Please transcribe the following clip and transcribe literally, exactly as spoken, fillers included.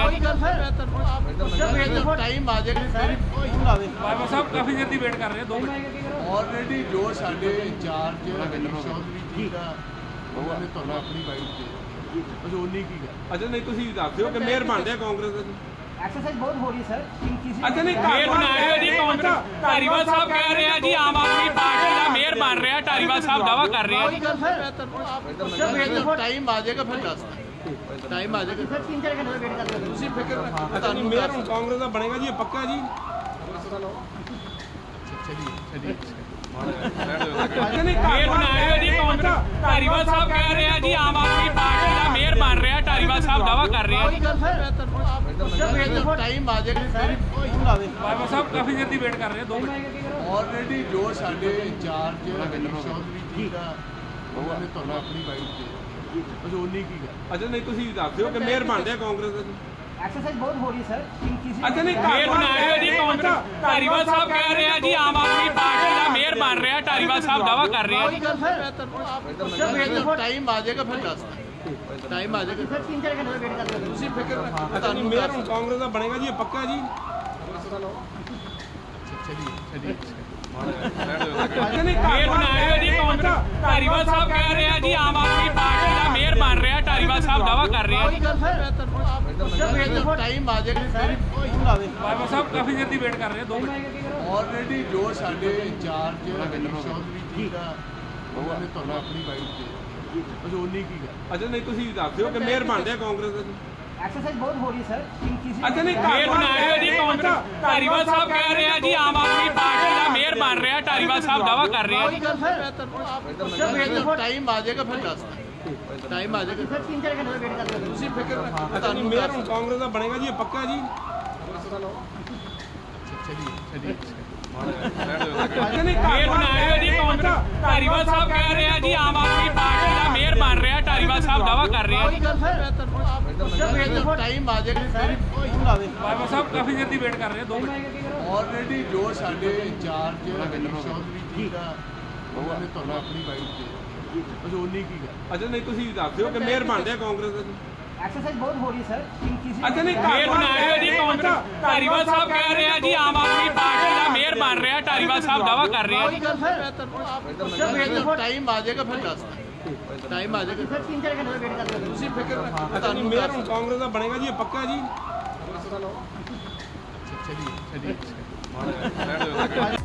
ਕੋਈ ਗੱਲ ਸਰ ਮੈਂ ਤੁਹਾਨੂੰ ਆਪ ਟਾਈਮ ਆ ਜਾਏਗਾ ਬਾਬਾ ਸਾਹਿਬ ਕਾਫੀ ਦੇਰ ਦੀ ਵੇਟ ਕਰ ਰਹੇ ਆ, ਦੋ ਮਿੰਟ। ਆਲਰੇਡੀ ਜੋ ਸਾਡੇ ਇੰਚਾਰਜ ਚੌਧਰੀ ਜੀ ਦਾ ਉਹਨਾਂ ਨੇ ਤੁਹਾਨੂੰ ਆਪਣੀ ਵਾਈਟ ਦੇ ਬਸ ਉਨੀ ਕੀ ਗੱਲ। ਅੱਛਾ ਨਹੀਂ ਤੁਸੀਂ ਦੱਸ ਦਿਓ ਕਿ ਮੇਅਰ ਬਣ ਰਿਹਾ ਕਾਂਗਰਸ ਦਾ ਜੀ। एक्सरसाइज बहुत हो रही है सर इन किसी ਅੱਛਾ ਨਹੀਂ ਮੇਅਰ ਬਣਾ ਰਹੇ ਹੋ ਜੀ ਕਾਂਗਰਸ। ਧਾਰੀਵਾਲ ਸਾਹਿਬ ਕਹਿ ਰਹੇ ਆ ਜੀ ਆਮ ਆਦਮੀ ਪਾਰਟੀ ਦਾ ਮੇਅਰ ਬਣ ਰਿਹਾ, ਧਾਰੀਵਾਲ ਸਾਹਿਬ ਦਾਅਵਾ ਕਰ ਰਹੇ ਆ। ਕੋਈ ਗੱਲ ਸਰ ਮੈਂ ਤੁਹਾਨੂੰ ਆਪ ਟਾਈਮ ਆ ਜਾਏਗਾ ਫਿਰ ਦੱਸ ਟਾਈਮ ਆ ਜਾਏਗਾ सर तीन चार घंटे वेट करते हो ਤੁਸੀਂ ਫਿਕਰ ਨਾ ਕਰੋ ਅੱਛਾ ਨਹੀਂ ਮੇਅਰ ਹੁਣ ਕਾਂਗਰਸ ਦਾ ਬਣੇਗਾ ਜੀ, ਇਹ ਪੱਕਾ ਜੀ। ਚਲਿਏ ਚਲਿਏ ਅੱਛਾ ਨਹੀਂ ਮੇਅਰ ਬਣਾ ਰਹੇ ਹੋ ਜੀ ਕਾਂਗਰਸ। ਧਾਰੀਵਾਲ ਸਾਹਿਬ ਕਹਿ ਰਹੇ ਆ ਜੀ ਆਮ ਆਦਮੀ ਪਾਰਟੀ ਦਾ ਮੇਅਰ ਬਣ ਰਿਹਾ, ਧਾਰੀਵਾਲ ਸਾਹਿਬ ਦਾਅਵਾ ਕਰ ਰਹੇ ਆ। ਕੋਈ ਗੱਲ ਸਰ ਮੈਂ ਤੁਹਾਨੂੰ ਆਪ ਟਾਈਮ ਆ ਜਾਏਗਾ ਬਾਬਾ ਸਾਹਿਬ ਕਾਫੀ ਦੇਰ ਦੀ ਵੇਟ ਕਰ ਰਹੇ ਆ, ਦੋ ਮਿੰਟ। ਆਲਰੇਡੀ ਜੋ ਸਾਡੇ ਇੰਚਾਰਜ ਚੌਧਰੀ ਜੀ ਦਾ ਉਹਨਾਂ ਨੇ ਤੁਹਾਨੂੰ ਆਪਣੀ ਵਾਈਟ ਦੇ ਬਸ ਉਨੀ ਕੀ ਗੱਲ। ਅੱਛਾ ਨਹੀਂ ਤੁਸੀਂ ਦੱਸ ਦਿਓ ਕਿ ਮੇਅਰ ਬਣ ਰਿਹਾ ਕਾਂਗਰਸ ਦਾ ਜੀ। एक्सरसाइज बहुत हो रही है सर इन किसी ਅੱਛਾ ਨਹੀਂ ਮੇਅਰ ਬਣਾ ਰਹੇ ਹੋ ਜੀ ਕਾਂਗਰਸ। ਧਾਰੀਵਾਲ ਸਾਹਿਬ ਕਹਿ ਰਹੇ ਆ ਜੀ ਆਮ ਆਦਮੀ ਪਾਰਟੀ ਦਾ ਮੇਅਰ ਬਣ ਰਿਹਾ, ਧਾਰੀਵਾਲ ਸਾਹਿਬ ਦਾਅਵਾ ਕਰ ਰਹੇ ਆ। ਕੋਈ ਗੱਲ ਸਰ ਮੈਂ ਤੁਹਾਨੂੰ ਆਪ ਟਾਈਮ ਆ ਜਾਏਗਾ ਫਿਰ ਦੱਸ ਟਾਈਮ ਆ ਜਾਏਗਾ सर तीन चार घंटे वेट करते हो ਤੁਸੀਂ ਫਿਕਰ ਨਾ ਕਰੋ ਅੱਛਾ ਨਹੀਂ ਮੇਅਰ ਹੁਣ ਕਾਂਗਰਸ ਦਾ ਬਣੇਗਾ ਜੀ, ਇਹ ਪੱਕਾ ਜੀ। ਚਲਿਏ ਚਲਿਏ ਅੱਛਾ ਨਹੀਂ ਮੇਅਰ ਬਣਾ ਰਹੇ ਹੋ ਜੀ ਕਾਂਗਰਸ। ਧਾਰੀਵਾਲ ਸਾਹਿਬ ਕਹਿ ਰਹੇ ਆ ਜੀ ਆਮ ਆਦਮੀ ਪਾਰਟੀ ਦਾ ਮੇਅਰ ਬਣ ਰਿਹਾ, ਧਾਰੀਵਾਲ ਸਾਹਿਬ ਦਾਅਵਾ ਕਰ ਰਹੇ ਆ। ਕੋਈ ਗੱਲ ਸਰ ਮੈਂ ਤੁਹਾਨੂੰ ਆਪ ਟਾਈਮ ਆ ਜਾਏਗਾ ਬਾਬਾ ਸਾਹਿਬ ਕਾਫੀ ਦੇਰ ਦੀ ਵੇਟ ਕਰ ਰਹੇ ਆ, ਦੋ ਮਿੰਟ। ਆਲਰੇਡੀ ਜੋ ਸਾਡੇ ਇੰਚਾਰਜ ਚੌਧਰੀ ਜੀ ਦਾ ਉਹਨਾਂ ਨੇ ਤੁਹਾਨੂੰ ਆਪਣੀ ਵਾਈਟ ਦੇ ਬਸ ਉਨੀ ਕੀ ਗੱਲ। ਅੱਛਾ ਨਹੀਂ ਤੁਸੀਂ ਦੱਸ ਦਿਓ ਕਿ ਮੇਅਰ ਬਣ ਰਿਹਾ ਕਾਂਗਰਸ ਦਾ ਜੀ। एक्सरसाइज बहुत हो रही है सर इन किसी ਅੱਛਾ ਨਹੀਂ ਮੇਅਰ ਬਣਾ ਰਹੇ ਹੋ ਜੀ ਕਾਂਗਰਸ। ਧਾਰੀਵਾਲ ਸਾਹਿਬ ਕਹਿ ਰਹੇ ਆ ਜੀ ਆਮ ਆਦਮੀ ਪਾਰਟੀ ਦਾ ਮੇਅਰ ਬਣ ਰਿਹਾ, ਧਾਰੀਵਾਲ ਸਾਹਿਬ ਦਾਅਵਾ ਕਰ ਰਹੇ ਆ। ਕੋਈ ਗੱਲ ਸਰ ਮੈਂ ਤੁਹਾਨੂੰ ਆਪ ਟਾਈਮ ਆ ਜਾਏਗਾ ਫਿਰ ਦੱਸ ਟਾਈਮ ਆ ਜਾਏਗਾ सर तीन चार घंटे वेट करते हो ਤੁਸੀਂ ਫਿਕਰ ਨਾ ਕਰੋ ਅੱਛਾ ਨਹੀਂ ਮੇਅਰ ਹੁਣ ਕਾਂਗਰਸ ਦਾ ਬਣੇਗਾ ਜੀ, ਇਹ ਪੱਕਾ ਜੀ। ਚਲਿਏ ਚਲਿਏ ਅੱਛਾ ਨਹੀਂ ਮੇਅਰ ਬਣਾ ਰਹੇ ਹੋ ਜੀ ਕਾਂਗਰਸ। ਧਾਰੀਵਾਲ ਸਾਹਿਬ ਕਹਿ ਰਹੇ ਆ ਜੀ ਆਮ ਆਦਮੀ ਪਾਰਟੀ ਦਾ ਮੇਅਰ ਬਣ ਰਿਹਾ, ਧਾਰੀਵਾਲ ਸਾਹਿਬ ਦਾਅਵਾ ਕਰ ਰਹੇ ਆ। ਕੋਈ ਗੱਲ ਸਰ ਮੈਂ ਤੁਹਾਨੂੰ ਆਪ ਟਾਈਮ ਆ ਜਾਏਗਾ ਬਾਬਾ ਸਾਹਿਬ ਕਾਫੀ ਦੇਰ ਦੀ ਵੇਟ ਕਰ ਰਹੇ ਆ, ਦੋ ਮਿੰਟ। ਆਲਰੇਡੀ ਜੋ ਸਾਡੇ ਇੰਚਾਰਜ ਚੌਧਰੀ ਜੀ ਦਾ ਉਹਨਾਂ ਨੇ ਤੁਹਾਨੂੰ ਆਪਣੀ ਵਾਈਟ ਦੇ ਬਸ ਉਨੀ ਕੀ ਗੱਲ। ਅੱਛਾ ਨਹੀਂ ਤੁਸੀਂ ਦੱਸ ਦਿਓ ਕਿ ਮੇਅਰ ਬਣ ਰਿਹਾ ਕਾਂਗਰਸ ਦਾ ਜੀ। एक्सरसाइज बहुत हो रही है सर इन किसी ਅੱਛਾ ਨਹੀਂ ਮੇਅਰ ਬਣਾ ਰਹੇ ਹੋ ਜੀ ਕਾਂਗਰਸ। ਧਾਰੀਵਾਲ ਸਾਹਿਬ ਕਹਿ ਰਹੇ ਆ ਜੀ ਆਮ ਆਦਮੀ ਪਾਰਟੀ ਦਾ ਮੇਅਰ ਬਣ ਰਿਹਾ, ਧਾਰੀਵਾਲ ਸਾਹਿਬ ਦਾਅਵਾ ਕਰ ਰਹੇ ਆ। ਕੋਈ ਗੱਲ ਸਰ ਮੈਂ ਤੁਹਾਨੂੰ ਆਪ ਟਾਈਮ ਆ ਜਾਏਗਾ ਫਿਰ ਦੱਸ ਟਾਈਮ ਆ ਜਾਏਗਾ सर तीन चार घंटे वेट करते हो ਤੁਸੀਂ ਫਿਕਰ ਨਾ ਕਰੋ ਅੱਛਾ ਨਹੀਂ ਮੇਅਰ ਹੁਣ ਕਾਂਗਰਸ ਦਾ ਬਣੇਗਾ ਜੀ, ਇਹ ਪੱਕਾ ਜੀ। ਚਲਿਏ ਚਲਿਏ